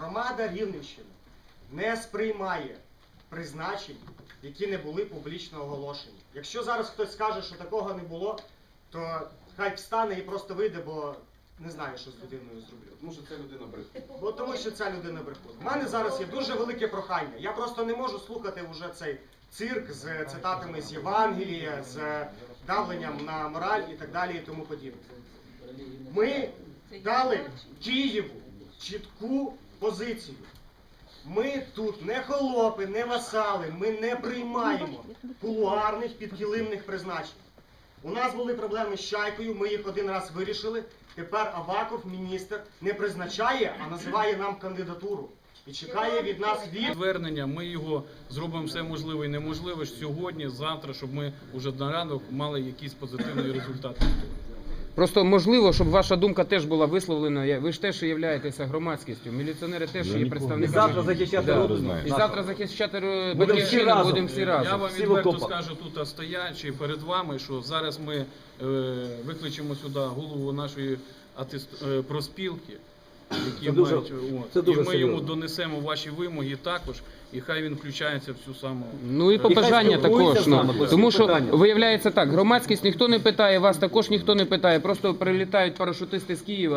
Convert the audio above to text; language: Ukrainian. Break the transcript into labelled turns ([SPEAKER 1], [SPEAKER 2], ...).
[SPEAKER 1] громада Рівненщини не сприймає призначень, які не були публічно оголошені. Якщо зараз хтось скаже, що такого не було, то хай встане і просто вийде, бо не знаю, що з людиною зроблю.
[SPEAKER 2] Тому що це людина брехун.
[SPEAKER 1] Бо тому що ця людина брехун. У мене зараз є дуже велике прохання. Я просто не можу слухати вже цей цирк з цитатами з Євангелія, з давленням на мораль і так далі і тому подібне. Ми дали Києву чітку позицію. Ми тут не холопи, не васали, ми не приймаємо кулуарних підкилимних призначень. У нас були проблеми з Чайкою, ми їх один раз вирішили. Тепер Аваков, міністр, не призначає, а називає нам кандидатуру. І чекає від нас
[SPEAKER 3] звернення. Ми його зробимо все можливе і неможливе сьогодні, завтра, щоб ми вже на ранок мали якісь позитивні результати.
[SPEAKER 4] Просто можливо, щоб ваша думка теж була висловлена. Ви ж теж являєтеся громадськістю. Міліціонери теж є представниками.
[SPEAKER 5] І завтра захищати роду.
[SPEAKER 4] І завтра захищати
[SPEAKER 5] Будемо всі разом.
[SPEAKER 4] будемо всі
[SPEAKER 3] Я
[SPEAKER 4] разом.
[SPEAKER 3] вам відверто скажу тут стоячи перед вами, що зараз ми викличемо сюди голову нашої профспілки, які мають, і ми йому донесемо ваші вимоги також, і хай він включається в цю саму.
[SPEAKER 4] Ну і побажання також. Тому що
[SPEAKER 5] питання.
[SPEAKER 4] виявляється так, громадськість ніхто не питає, вас також ніхто не питає, просто прилітають парашутисти з Києва.